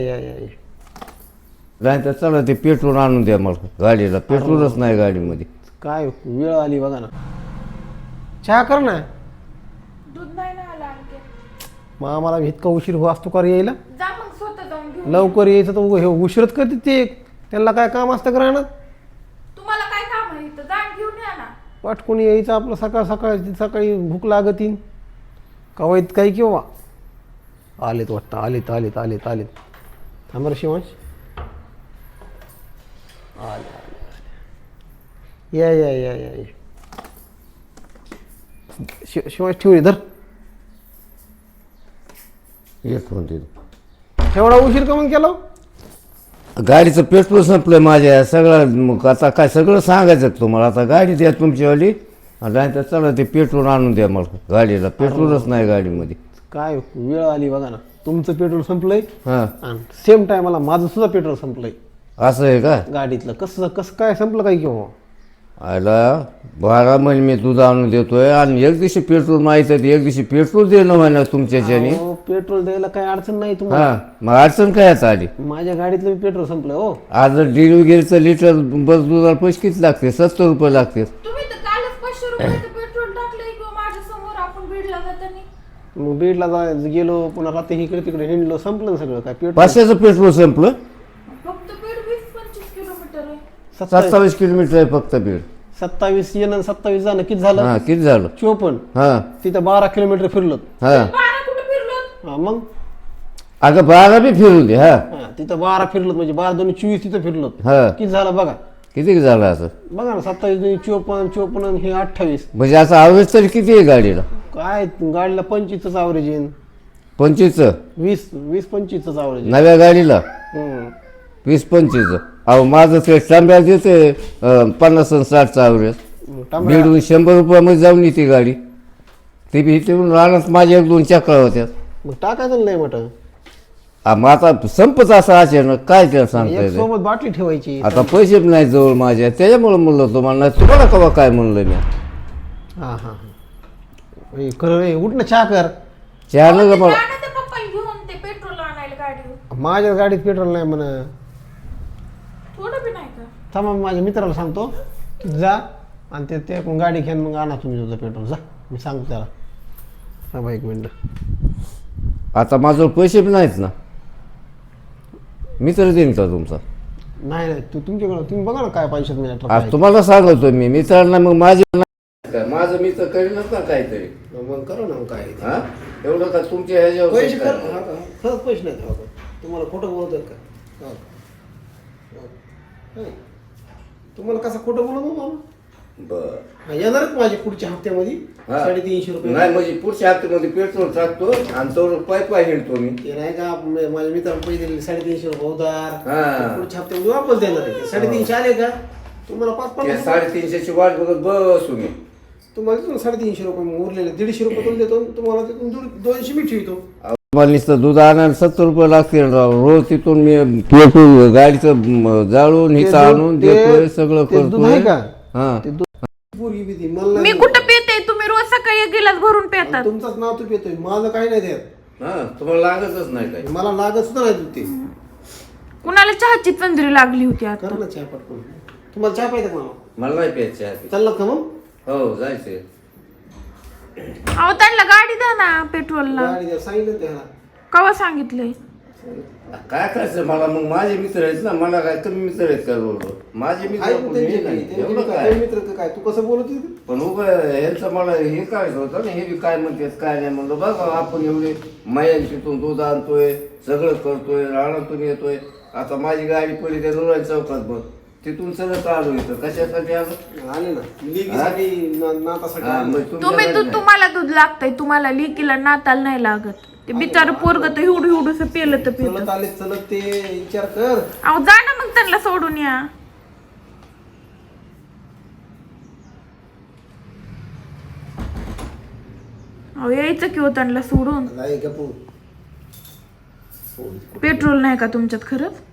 नाही तर चला ते पेट्रोल आणून द्या मला गाडीला. पेट्रोलच नाही गाडीमध्ये. काय वेळ आली बघा ना. चहा कर ना. दूध नाही ना आला आणखी. मग आम्हाला इतका उशीर हो असतो का रे यायला. जा मग स्वतः जाऊन घेऊन. लवकर यायचं तर हे उशीरच करते ते. त्यांना काय काम असतं का राहणार. तुम्हाला काय काम आहे इथं? जा घेऊन या ना. पटकून यायचं आपलं सकाळ सकाळी भूक लागतीन कवायत काही किंवा आलेत वाटतं. आलेत थांब रे शिवांश. या शिवांश ठेवून धर. एक म्हणते एवढा उशीर का मग केला. गाडीचं पेट्रोल संपलंय माझ्या. सगळं मग आता काय सगळं सांगायचं तुम्हाला. आता गाडी द्या तुमचीवाली. नाही तर चला ते पेट्रोल आणून द्या मला गाडीला. पेट्रोलच नाही गाडीमध्ये. काय वेळ आली बघा ना. तुमचं पेट्रोल संपलंय हां आणि सेम टायमाला माझं सुद्धा पेट्रोल संपलंय असं आहे का. गाडीतलं. कसं काय संपलं काय किंवा. आला 12 महिने मी दूध आणून देतोय आणि एक दिवशी पेट्रोल माहिती आहे. एक दिवशी पेट्रोल देणं म्हणा तुमच्याच्याने. पेट्रोल द्यायला काही अडचण नाही तुम्हाला. हां मग अडचण काय आता आली. माझ्या गाडीतलं पेट्रोल संपलं हो. आज डिलिव्हरीचं लिटर बस दुधाला पैसे किती लागते. 70 रुपये लागते. तुम्ही तर कालच 500 रुपयाचं पेट्रोल टाकलंय किंवा माझ्या समोर आपण बीडला जाताना. मग बीडला गेलो पुन्हा रात्री इकडे तिकडे हिंडलो. संपलं सगळं काय पेट्रोल. 500चं पेट्रोल संपलं. फक्त बीड 20-25 किलोमीटर आहे. 27 किलोमीटर आहे फक्त बीड. 27 येणं 27 जाणं किती झालं. हां किती झालं. 54. हां तिथं 12 किलोमीटर फिरलो. हां 12 कुठे फिरलो. मग अगं 12 बी फिरून दे. हां तिथं 12 फिरलो म्हणजे 12 2 24 तिथं फिरलो. हां किती झालं बघा. किती झालं असं. बघा ना 27 2 54 हे 28. म्हणजे असं ॲव्हरेज तरी किती आहे गाडीला. काय गाडीला 25च ॲव्हरेज येईन. 25चं 20-25च ॲव्हरेज. नव्या गाडीला 20-25चं. अहो माझं ते तांब्या देते 50 आणि 60चं ॲव्हरेज. बीडून 100 रुपयामध्ये जाऊन येते गाडी. ती बी इथे राहणार माझ्या 1-2 चक्रा होत्या. मग टाकायचं नाही म्हटलं. मग आता संपच असं अचानक काय त्याला सांगता एक सोबत बाटली ठेवायची. आता पैसे नाही जवळ माझ्या. त्याच्यामुळे म्हणलं तुम्हाला. नाही तुम्हाला कवा काय म्हणलं मी. हां खरं रे. उठ ना चहा कर. चहा नका मला. जा ना त्या पप्पाला घेऊन ते पेट्रोल आणायला गाडीवर. माझ्या गाडीत पेट्रोल नाही म्हण. थोडं बी नाही का. थांबा माझ्या मित्राला सांगतो की जा आणि ते गाडी घेऊन मग आणा तुम्ही तुझं पेट्रोल. जा मी सांगतो त्याला. थांबा 1 मिनिट. आता माझ्याजवळ पैसे बी नाहीत ना. मित्र देईन का तुमचा. नाही तुमच्याकडं तुम्ही बघा ना काय पैशात मिळत. आज तुम्हाला सांगतो मी मित्रांना. मग माझं मित्र करीनच ना काहीतरी. मग करू ना. मग काय हा एवढं का तुमच्या ह्याच्यावर पैसे कर. खरंच पैसे नाही तुम्हाला खोटं बोलतात का. तुम्हाला कसं खोटं बोलू मग. बर येणारच माझ्या पुढच्या हप्त्यामध्ये 350 रुपये. नाही म्हणजे पुढच्या हप्त्यामध्ये पेट्रोल टाकतो आणि तो पाय हिंडतो मी. ते नाही का माझ्या मित्राला पैसे दिले 350 रुपये उधार. हां पुढच्या हप्त्यामध्ये वापस देणार आहे. 350 आले का तुम्हाला 5-5 350ची वाट बघत बसू मी. तुम्हाला देतो 350 रुपये. मग उरलेले 150 रुपये तुम्ही देतो. तुम्हाला तिथून 200 मी ठेवतो. मला नुसतं दूध आणायला 70 रुपये लागतील रोज. तिथून मी पेट्रोल गाडीचं जाळून हिचं आणून देतोय सगळं करतोय. हां पोरगी बी ती मला मी कुठं पिते. तुम्ही रोज सकाळी 1 गिलास भरून पितात. तुमचाच नाव तू पितोय. माझं काही नाही देत. हां तुम्हाला लागतच नाही काय. मला लागत सुद्धा नाही दूध ते. कुणाला चहाची तंद्री लागली होती आता. कर ना चहा पटकून. तुम्हाला चहा पाहिजे का मला नाही प्यायचे आहे. चाललं का मग. हो जायचंय. अहो त्यांना गाडी द्या ना पेट्रोलला. गाडी द्या सांगितलं त्याला. कवा सांगितलंय. काय करायचं मला. मग माझे मित्र आहेत ना. मला काय कमी मित्र आहेत का बरोबर. माझे मित्र एवढं काय. मित्र काय तू कसं बोलत होती. पण उभं ह्यांचं मला हे करायचं होतं ना. हे बी काय म्हणतात काय नाही म्हणलं. बघा आपण एवढे मायांशीतून दूध आणतोय सगळं करतोय रानातून येतोय. आता माझी गाडी पडली त्या रुराई चौकात बघ. तिथून सगळं चालू येतं. कशासाठी आले ना लिगीसाठी नातासाठी. तुम्हाला दूध लागतंय. तुम्हाला लिकीला नाताला नाही लागत. ते बिचार पोरग तर एवढं पेलं तर पिलं. चलत ते विचार कर. अहो जा ना मग त्यांना सोडून या. अहो यायचं किंवा त्यांना सोडून. पेट्रोल नाही का तुमच्यात खरंच.